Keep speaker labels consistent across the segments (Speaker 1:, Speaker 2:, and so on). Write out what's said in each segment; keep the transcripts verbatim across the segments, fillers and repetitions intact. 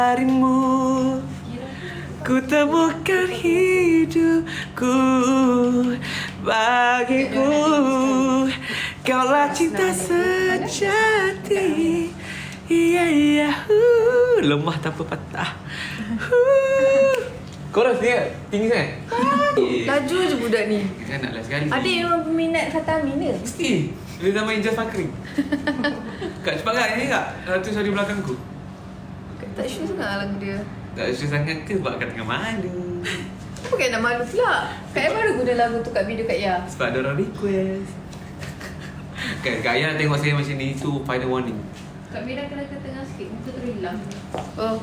Speaker 1: Darimu ku temukan hidupku, bagiku kaulah cinta sejati. Iya iya, uh, lemah tanpa patah. Uh. Korang dia tinggi sangat.
Speaker 2: Laju je budak ni.
Speaker 1: Kan naklah sekali.
Speaker 2: Adik memang peminat Fatah Amin ke?
Speaker 1: Mesti. Dia zaman Ijaz Fakri. Kak cepat kak nyanyi kak. Satu sorry belakangku.
Speaker 2: Tak sure sangat lah lagu dia.
Speaker 1: Tak sure sangat ke sebab kat tengah malu.
Speaker 2: Apa kan nak malu pula? Kak Yang baru guna lagu tu kat video Kak Ya.
Speaker 1: Sebab ada orang request. Kak, Kak Ayah tengok saya macam ni, itu final warning.
Speaker 3: Kak Mira kena ke tengah sikit, muka tu hilang.
Speaker 2: Oh.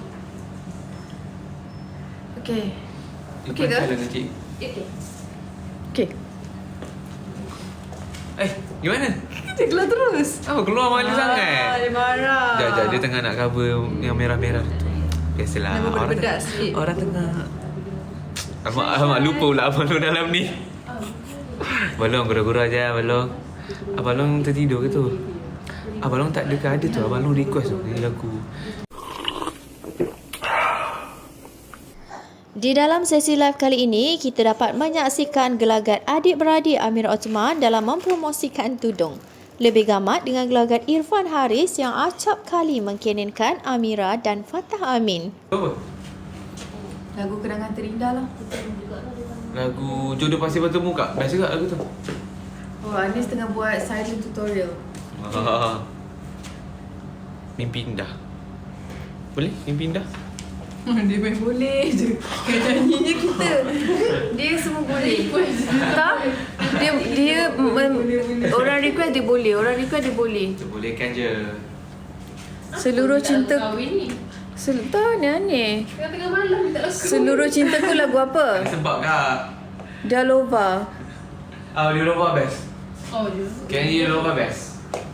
Speaker 2: Okay.
Speaker 1: You
Speaker 2: Okey ke?
Speaker 1: pantai lah dengan cik.
Speaker 3: Okay.
Speaker 2: Okay.
Speaker 1: Eh, gimana?
Speaker 2: Dia keluar terus.
Speaker 1: Apa keluar malu
Speaker 2: Ah,
Speaker 1: sangat?
Speaker 2: dia marah.
Speaker 1: Sekejap, sekejap. Dia tengah nak cover yang merah-merah tu. Biasalah.
Speaker 2: Nama
Speaker 1: Orang,
Speaker 2: berbedak
Speaker 1: tengah-
Speaker 2: sikit.
Speaker 1: orang tengah... Abang, abang lupa pula Abang Long dalam ni. Abang Long gurau-gurau je Abang Long. Abang Long tertidur ke tu? Abang Long tak ada ke ada tu. Abang Long request tu ni lagu.
Speaker 4: Di dalam sesi live kali ini, kita dapat menyaksikan gelagat adik-beradik Amira Othman dalam mempromosikan tudung. Lebih gamat dengan gelagat Irfan Haris yang acap kali mengkenenkan Amira dan Fatah Amin.
Speaker 1: Apa?
Speaker 2: Lagu Kenangan Terindah lah.
Speaker 1: Lagu Jodoh Pasti Bertemu kak. Biasa kak lagu tu?
Speaker 2: Oh, Anis tengah buat silent tutorial.
Speaker 1: Ah. Mimpi indah. Boleh? Mimpi indah?
Speaker 2: Dia main boleh je. Kan nyanyinya kita. Dia semua boleh. Tak? Dia dia men, orang request dia boleh. Orang request dia boleh.
Speaker 1: Kita bolehkan je.
Speaker 2: Seluruh cinta.
Speaker 3: Kahwin ni.
Speaker 2: Sel, tak, ni aneh.
Speaker 3: Tengah-tengah malam tak lagu.
Speaker 2: Seluruh cintaku lagu apa?
Speaker 1: Sebab kak.
Speaker 2: Dalova.
Speaker 1: Ah, dia Lova best.
Speaker 3: Oh, dia.
Speaker 1: Can you Lova best?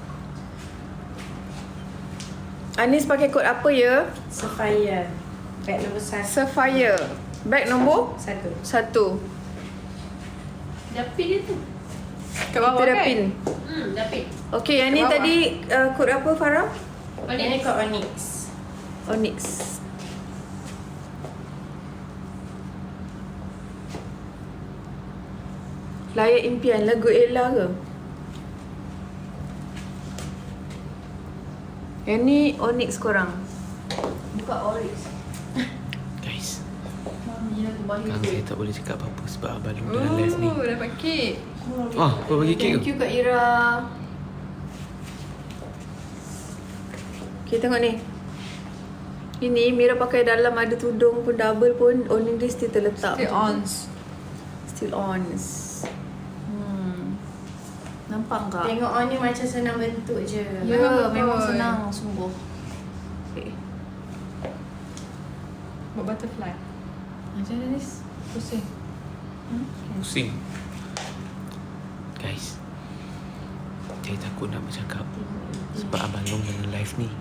Speaker 2: Anis pakai kod apa ya?
Speaker 5: Sapphire. Bag nombor satu.
Speaker 2: Sapphire. Bag nombor
Speaker 5: Satu.
Speaker 2: satu.
Speaker 3: Dah pin dia tu.
Speaker 2: Kat bawah kan? Pin.
Speaker 3: Hmm, dah pin.
Speaker 2: Okey, yang ni
Speaker 3: Kat bawah.
Speaker 2: tadi uh, kod apa Farah?
Speaker 5: Ini kod Onyx.
Speaker 2: Onyx. Layak Impian, lagu Ella ke? Yang ni Onyx korang.
Speaker 3: Buka orange.
Speaker 1: Guys,
Speaker 3: Mami lagu bahaya.
Speaker 1: sekarang saya tak boleh cakap apa-apa sebab Abang Long dalam live ni.
Speaker 2: Oh, dapat kek.
Speaker 1: Ah, apa bagi kek
Speaker 2: Thank
Speaker 1: tu?
Speaker 2: you Kak Ira. Okay, tengok ni. Ini Mira pakai dalam ada tudung pun double pun owning dia still terletak.
Speaker 6: Still on.
Speaker 2: Still on. Hmm. Nampak tak?
Speaker 5: Tengok on ni macam senang bentuk je.
Speaker 2: Ya,
Speaker 6: betul.
Speaker 2: memang senang sungguh. Okay.
Speaker 6: Buat butterfly.
Speaker 2: Macam mana Nis?
Speaker 6: Pusing.
Speaker 1: Pusing. Guys, saya takut nak bercakap sebab Abang Long dalam live ni.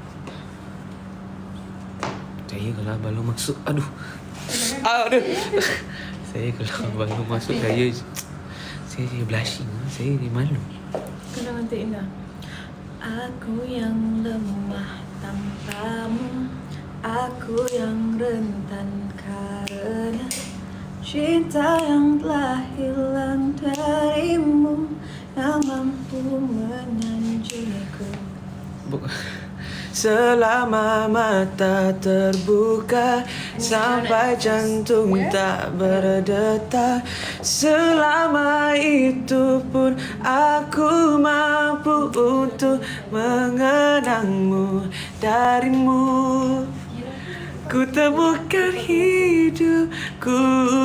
Speaker 1: Saya kalau Abang Long masuk, aduh. Aduh. Saya kalau Abang Long masuk, saya saya jadi blushing. Saya jadi malu.
Speaker 2: Kenangan terindah. Aku yang lemah tanpamu, aku yang rentan karena cinta yang telah hilang darimu, yang mampu menanjungku. Selama mata terbuka sampai jantung tak berdetak, selama itu pun aku mampu untuk mengenangmu. Darimu ku temukan hidupku,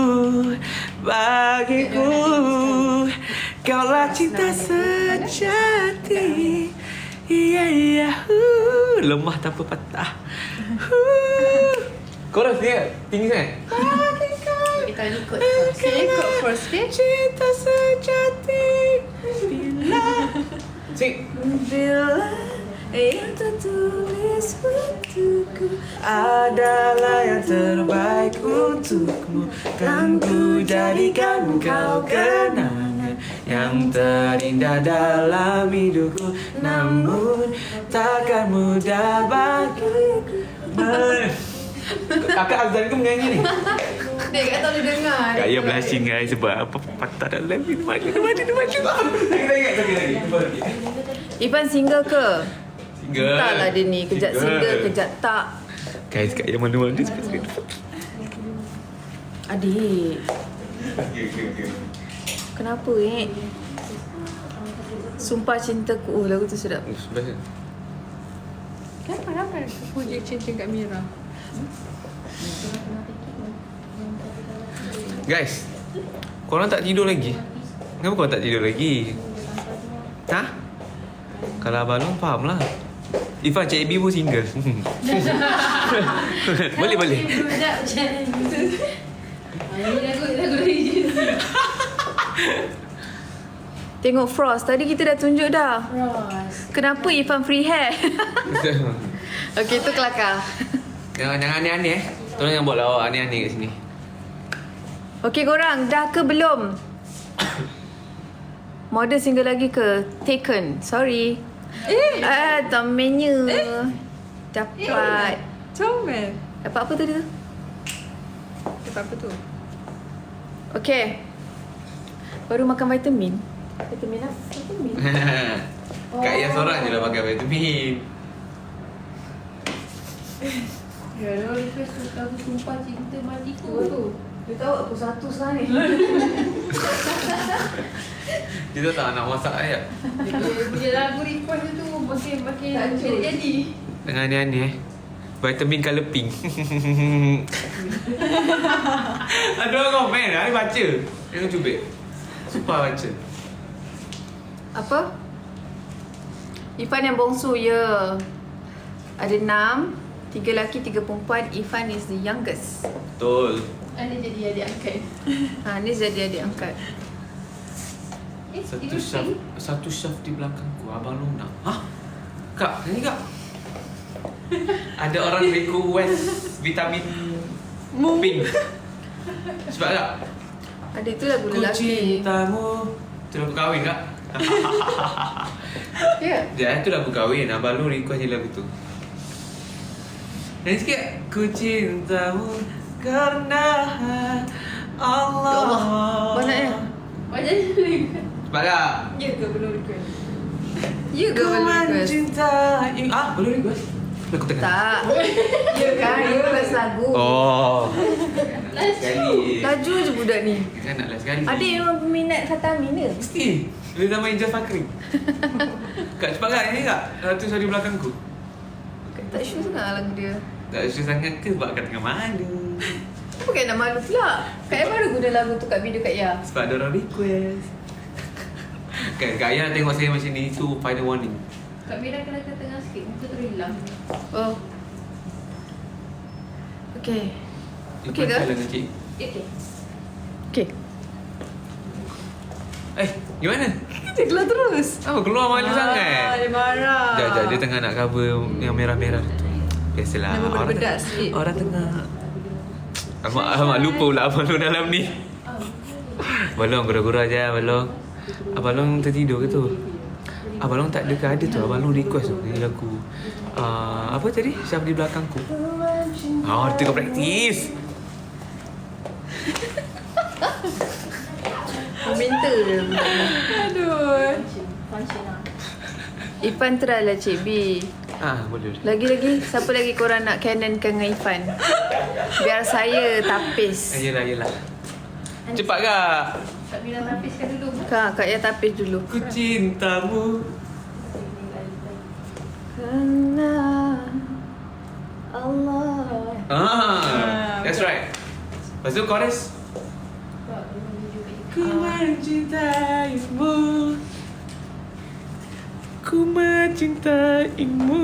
Speaker 2: bagiku kaulah cinta sejati. Iya iya, uh, lemah tanpa patah. Uh. Korang dia tinggi sangat.
Speaker 5: Kita ni kod
Speaker 2: Sini
Speaker 5: first.
Speaker 2: kod first, okay? Cinta sejati bila
Speaker 1: Cik.
Speaker 2: bila yang tertulis untukku adalah yang terbaik untukmu, kan ku jadikan kau kenangan yang terindah dalam hidupku. Namun takkan mudah bagiku
Speaker 1: Kakak Azlan ke menyanyi ni?
Speaker 2: Dia kat tahu dia dengar.
Speaker 1: Kak Ayah blushing guys sebab apa patah dalam ni. Mana dia mana dia mana. Lagi lagi lagi lagi. Cuba lagi.
Speaker 2: Irfan single ke?
Speaker 1: Single.
Speaker 2: Entahlah dia ni. Kejap single, kejap tak.
Speaker 1: Guys, Kak Ayah mana-mana sebab
Speaker 2: Adik,
Speaker 1: okey okey okey.
Speaker 2: kenapa eh? Sumpah Cintaku. Oh, lagu tu sedap.
Speaker 1: Oh, best.
Speaker 2: Kenapa? Kenapa? Puji cinta kat Mira.
Speaker 1: Guys, korang tak tidur lagi? Kenapa korang tak tidur lagi? Ha? Kalau abang long faham lah. Ifan, Cik B pun single. Boleh boleh.
Speaker 3: Budak macam ni. Ini lagu lagu lagi.
Speaker 2: Tengok Frost. Tadi kita dah tunjuk dah.
Speaker 3: Ros.
Speaker 2: Kenapa Irfan free hair? Okey, tu kelakar.
Speaker 1: Jangan jangan aneh-aneh eh. Tolong jangan buat lawak aneh-aneh kat sini.
Speaker 2: Okey korang, dah ke belum? Model single lagi ke? Taken. Sorry. Eh. Ah, domainnya. Eh. Dapat.
Speaker 6: Comel.
Speaker 2: Dapat apa tadi tu?
Speaker 6: Dapat apa tu?
Speaker 2: Okey. Baru makan vitamin. Vitamin apa? Vitamin.
Speaker 1: Kak Ayah seorang je lah pakai vitamin.
Speaker 3: Ya, dia request tu lagu Sumpah Cinta Matiku tu.
Speaker 2: Dia tahu aku satu sekarang ni.
Speaker 1: Dia tu tak nak masak ayat.
Speaker 3: Dia punya lagu request dia tu makin makin
Speaker 2: Hancur.
Speaker 3: jadi.
Speaker 1: Tengah aneh-aneh eh. Vitamin colour pink. Ada orang komen, ada baca. Tengok cubit. Sumpah baca.
Speaker 2: Apa? Irfan yang bongsu, ya. Ada enam. Tiga lelaki, tiga perempuan. Irfan is the youngest.
Speaker 1: Betul.
Speaker 3: Ada jadi adik angkat.
Speaker 2: Ha, ni jadi adik angkat.
Speaker 3: Eh,
Speaker 1: Satu
Speaker 3: itu
Speaker 1: syaf,
Speaker 3: pink.
Speaker 1: satu syaf di belakangku. Abang Long nak. Hah? Kak, ni kak. Ada orang request vitamin pink. Sebab tak?
Speaker 2: Ada tu lagu
Speaker 1: Ku
Speaker 2: lelaki.
Speaker 1: cintamu. Tu lagu kahwin kak.
Speaker 2: Ya.
Speaker 1: Dia tu lagu kahwin. Abang Long request je lagu tu. Nyanyi sikit. Ku cintamu karena Allah.
Speaker 2: Ya Allah. Banyaknya.
Speaker 3: Macam ni.
Speaker 1: Sebab tak?
Speaker 2: Ya ke belum request? Ya ke
Speaker 1: Ku
Speaker 2: belum request?
Speaker 1: mencintai. Ah, belum request? Lagu tengah.
Speaker 2: Tak. Ya kan? Request lagu.
Speaker 1: Oh. Sekali.
Speaker 2: Laju je budak ni.
Speaker 1: Kan nak last sekali.
Speaker 2: Adik memang peminat Khatamin ke?
Speaker 1: Mesti. Dia dah main Ijaz Fakri. Kak, cepat kak. Ini kak. Satu di belakangku.
Speaker 2: Tak sure sangat lah lagu dia.
Speaker 1: Tak sure sangat ke sebab kak tengah malu.
Speaker 2: Apa kan nak malu pula? Kak Ayah baru guna lagu tu kat video Kak Ayah.
Speaker 1: Sebab ada orang request. Kan Kak Ayah tengok saya macam ni tu final warning.
Speaker 3: Kak Mira kena ke tengah sikit. Muka tu hilang.
Speaker 2: Oh. Okay.
Speaker 1: Dia
Speaker 2: Okey ke?
Speaker 1: pantai lah dengan cik.
Speaker 3: Okay.
Speaker 2: Okay.
Speaker 1: Eh, gimana?
Speaker 2: Dia keluar terus.
Speaker 1: Apa keluar malu sangat?
Speaker 2: Dia marah.
Speaker 1: Sekejap, sekejap. Dia tengah nak cover yang merah-merah tu. Biasalah.
Speaker 2: Nama
Speaker 1: Orang
Speaker 2: bedak
Speaker 1: tengah-
Speaker 2: sikit.
Speaker 1: Orang tengah... Abang, abang lupa pula Abang Long dalam ni. Abang Long, gurau-gurau je Abang Long. Abang Long tertidur ke tu? Abang Long tak ada ke? Ada tu. Abang Long request tu. Ni lagu... Uh, apa tadi? Syaf di belakangku. Oh, dia tengah praktis.
Speaker 2: Meminta dia.
Speaker 6: Aduh.
Speaker 3: Function lah.
Speaker 2: Irfan try lah Cik B.
Speaker 1: Ah, boleh. boleh.
Speaker 2: Lagi-lagi, siapa lagi korang nak canonkan dengan Irfan? Biar saya tapis.
Speaker 1: Ah, yelah, yelah. Cepat kak.
Speaker 3: Kak Mira tapiskan dulu.
Speaker 2: Kak, Kak Ayah tapis dulu.
Speaker 1: Ku cintamu.
Speaker 2: Kerana Allah.
Speaker 1: Ah, that's right. Lepas tu chorus. Ku mencintaimu. Ku mencintaimu.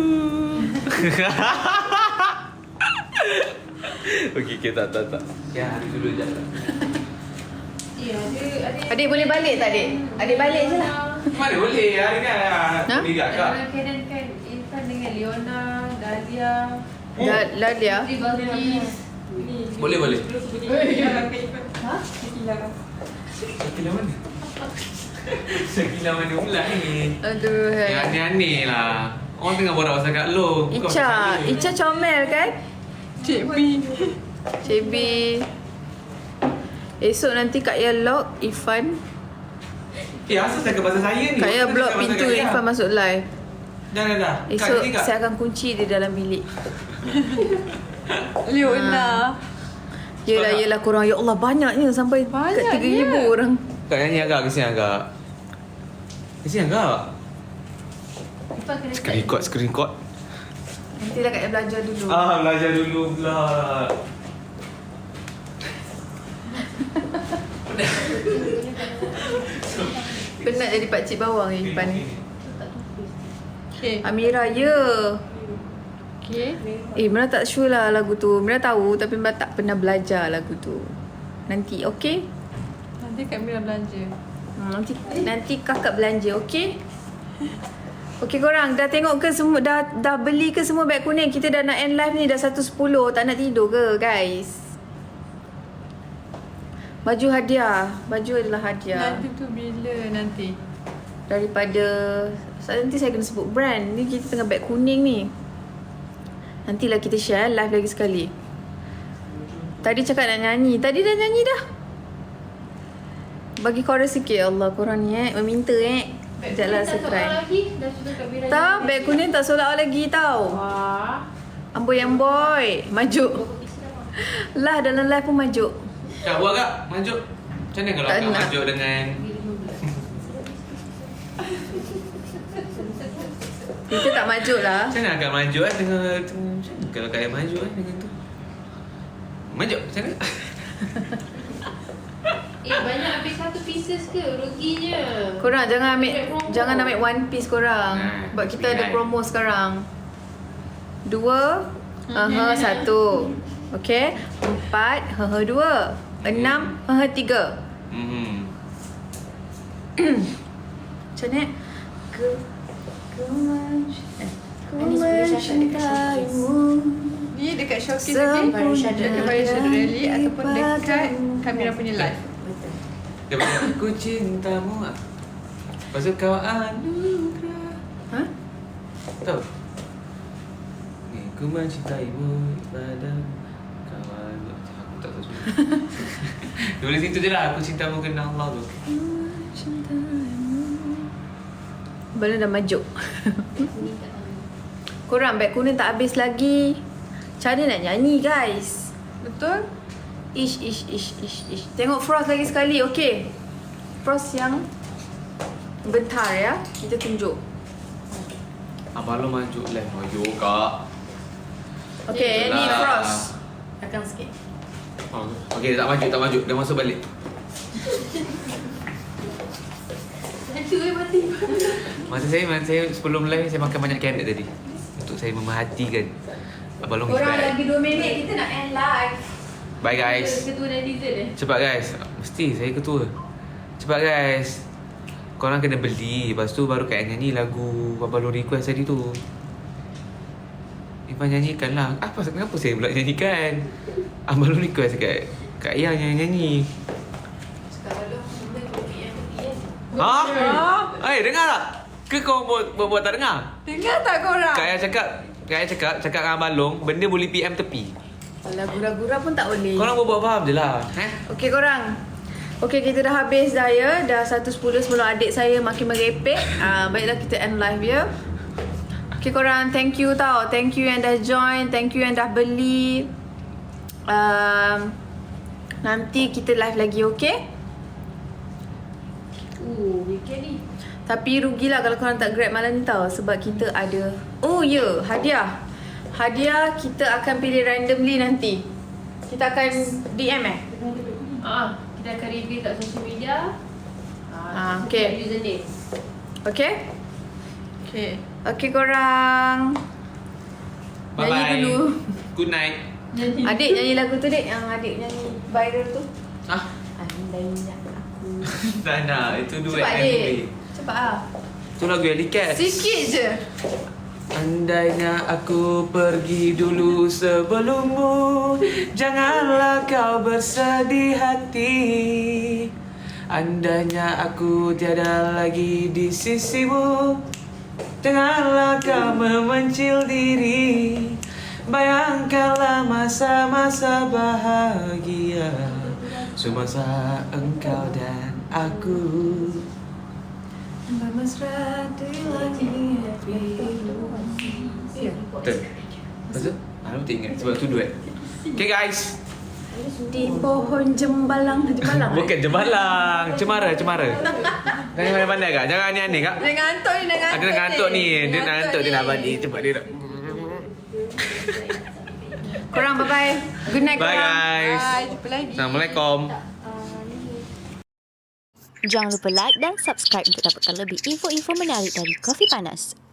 Speaker 1: Okey, okay, tak, tak, tak. Ya, hari dulu je.
Speaker 3: Ya, ada ada.
Speaker 2: Adik boleh balik tak adik? Adik balik je lah.
Speaker 1: Mana boleh, hari kan.
Speaker 2: Ha?
Speaker 1: Boleh tak kak?
Speaker 3: Ada Canon kan Irfan dengan Leona, Dahlia,
Speaker 2: Dah, dah dia.
Speaker 3: Putri Balkis.
Speaker 1: Boleh, boleh.
Speaker 3: Ha?
Speaker 1: Syakila mana? Syakila mana pula ni?
Speaker 2: Aduh.
Speaker 1: Yang
Speaker 2: hai.
Speaker 1: aneh-aneh lah. Orang tengah borak pasal Kak Long. bukan
Speaker 2: Icha,
Speaker 1: pasal dia.
Speaker 2: Icha comel kan?
Speaker 6: Cik B.
Speaker 2: Cik B. Esok nanti Kak Ya lock Irfan.
Speaker 1: Eh, asal cakap pasal saya ni?
Speaker 2: Kak Ya
Speaker 1: Kenapa
Speaker 2: block
Speaker 1: cakap pasal
Speaker 2: pintu
Speaker 1: Kak Ya?
Speaker 2: Irfan masuk live.
Speaker 1: Dah, dah, dah. Kak,
Speaker 2: Esok
Speaker 1: jadi Kak.
Speaker 2: saya akan kunci di dalam bilik.
Speaker 6: Leona.
Speaker 2: Yelah, yelah korang. Ya Allah, banyaknya sampai kat
Speaker 6: Banyaknya.
Speaker 2: tiga ribu orang.
Speaker 1: Kak nyanyi agak, ke sini agak. Ke sini agak.
Speaker 3: Lepas kena
Speaker 1: Screen record, screen record.
Speaker 2: Nantilah Kak Ya belajar dulu.
Speaker 1: Ah, belajar dulu pula.
Speaker 2: Penat jadi pakcik bawang Irfan ni.
Speaker 6: Okay.
Speaker 2: Amira, ya.
Speaker 6: Okay.
Speaker 2: Eh, Mira tak sure lah lagu tu. Mira tahu tapi Mira tak pernah belajar lagu tu. Nanti, okey?
Speaker 6: Nanti Kak Mira belanja.
Speaker 2: Hmm, nanti nanti kakak belanja, okey? Okey korang, dah tengok ke semua, dah dah beli ke semua beg kuning? Kita dah nak end live ni dah satu sepuluh. Tak nak tidur ke guys? Baju hadiah. Baju adalah hadiah.
Speaker 6: Nanti tu bila nanti?
Speaker 2: Daripada, nanti saya kena sebut brand. Ni kita tengah beg kuning ni. Nantilah kita share live lagi sekali. Tadi cakap nak nyanyi. Tadi dah nyanyi dah. Bagi chorus sikit. Allah, korang ni eh. Meminta eh. Sekejaplah saya try.
Speaker 3: lagi. Dah sudah Kak Mira.
Speaker 2: Tak, beg kuning tak sold out lagi tau.
Speaker 3: Wah.
Speaker 2: Amboi amboi. Majuk. Lah dalam live pun majuk.
Speaker 1: Kak, buat Kak. Majuk. Macam mana kalau
Speaker 2: Tak
Speaker 1: Kak
Speaker 2: nak.
Speaker 1: majuk dengan...
Speaker 2: Kita tak majuk lah.
Speaker 1: Macam mana Kak majuk eh dengan... Macam mana kalau Kak yang majuk eh dengan tu? Majuk, macam mana?
Speaker 3: Eh, banyak habis satu pieces ke? Ruginya.
Speaker 2: Korang jangan ambil
Speaker 3: Ambil promo.
Speaker 2: jangan ambil one piece korang.
Speaker 1: Nah,
Speaker 2: Sebab kita ada
Speaker 1: pilihan.
Speaker 2: promo sekarang. Dua, haha satu. Okey. Empat, haha dua. Enam, haha tiga.
Speaker 1: Hmm.
Speaker 2: Macam ni. Ku ku men- eh, ku
Speaker 5: Ini sepuluh syarat dekat
Speaker 2: mencintaimu.
Speaker 6: Ni dekat showcase
Speaker 2: Sempurna.
Speaker 6: lagi?
Speaker 5: Baru Shadow.
Speaker 6: Dekat Baru Shadow Rally ataupun dekat Kak Mira punya live.
Speaker 5: Betul.
Speaker 1: Dia bilang, aku cintamu. Lepas tu kau anugerah.
Speaker 2: Ha?
Speaker 1: Tahu? Ni, ku mencintaimu padamu. Kawan. Aku tak tahu semua. Tulis situ je lah. Aku cintamu kena Allah tu.
Speaker 2: Balon dah majuk. Korang beg kuning tak habis lagi. Macam mana nak nyanyi guys?
Speaker 6: Betul?
Speaker 2: Ish, ish, ish, ish, ish. Tengok Frost lagi sekali, okey? Frost yang bentar ya. Kita tunjuk.
Speaker 1: Abang lo majuk live. Majuk Kak.
Speaker 2: Okey, ni
Speaker 1: Itulah.
Speaker 2: Frost.
Speaker 5: Belakang sikit.
Speaker 1: Oh, okey, tak maju, tak maju. Dah masuk balik.
Speaker 3: Itu eh mati.
Speaker 1: Masa saya, masa saya sebelum live, saya makan banyak carrot tadi. Untuk saya memerhatikan Abang Long is
Speaker 2: Korang
Speaker 1: back.
Speaker 2: lagi dua minit, kita nak end live.
Speaker 1: Bye guys.
Speaker 3: Ketua netizen eh.
Speaker 1: Cepat guys. Mesti saya ketua. Cepat guys. Korang kena beli. Lepas tu baru Kak nyanyi lagu Abang Long request tadi tu. Irfan nyanyikan lah. Apa, kenapa saya pula nyanyikan? Abang Long request kat Kak Yang yang nyanyi.
Speaker 3: Sekarang dah sampai P M P M.
Speaker 1: Ha?
Speaker 6: Oh,
Speaker 1: Eh, dengar tak? Ke kau buat, buat, buat tak dengar?
Speaker 6: dengar tak korang?
Speaker 1: Kak Yang cakap, Kak Yang cakap, cakap dengan Abang Long, benda boleh P M tepi.
Speaker 2: Alah, gura-gura pun tak boleh.
Speaker 1: Korang buat-buat faham je lah. Eh?
Speaker 2: Okey korang. Okey, kita dah habis dah ya. Dah satu sepuluh sebelum adik saya makin merepek. Ah, baiklah kita end live ya. Okey korang, thank you tau. Thank you yang dah join, thank you yang dah beli. Um, nanti kita live lagi, okey?
Speaker 3: Uh, weekend ni.
Speaker 2: Tapi rugilah kalau korang tak grab malam ni tau. Sebab kita ada, oh ya, yeah, hadiah. Hadiah kita akan pilih randomly nanti. Kita akan D M eh?
Speaker 3: Ah, kita akan reveal kat social media.
Speaker 2: Ah, okay.
Speaker 3: Username.
Speaker 2: Okay?
Speaker 6: Okay.
Speaker 2: Okay korang. Nyanyi
Speaker 1: Bye-bye.
Speaker 2: dulu.
Speaker 1: Good night.
Speaker 2: Adik nyanyi lagu tu dek. Yang adik nyanyi viral tu.
Speaker 1: Ah,
Speaker 2: Andainya aku.
Speaker 1: tak nak. Itu duet
Speaker 2: Cepat
Speaker 1: dengan
Speaker 2: adik.
Speaker 1: Louis.
Speaker 2: Cepat lah.
Speaker 1: Itu lagu Ellie Cats.
Speaker 2: Sikit je.
Speaker 1: Andainya aku pergi dulu sebelummu, janganlah kau bersedih hati. Andainya aku tiada lagi di sisimu, janganlah kau memencil diri. Bayangkanlah masa-masa bahagia, semasa engkau dan aku
Speaker 2: Bermesra di langit biru.
Speaker 1: Betul? Betul? Aku tak ingat sebab tu duet. Okay guys.
Speaker 2: Di pohon jembalang. Jembalang
Speaker 1: Bukan jembalang, cemara, cemara. Jangan pandai-pandai kak, jangan aneh-aneh kak.
Speaker 2: Dia ngantuk ni, dia ngantuk
Speaker 1: Ada nak ngantuk ni, dia nak ngantuk, dia nak balik. Cepat dia nak.
Speaker 2: Korang bye bye. Good night
Speaker 1: Bye
Speaker 2: korang.
Speaker 1: guys.
Speaker 6: Bye, jumpa lagi.
Speaker 1: Assalamualaikum.
Speaker 4: Jangan lupa like dan subscribe untuk dapatkan lebih info-info menarik dari Kopi Panas.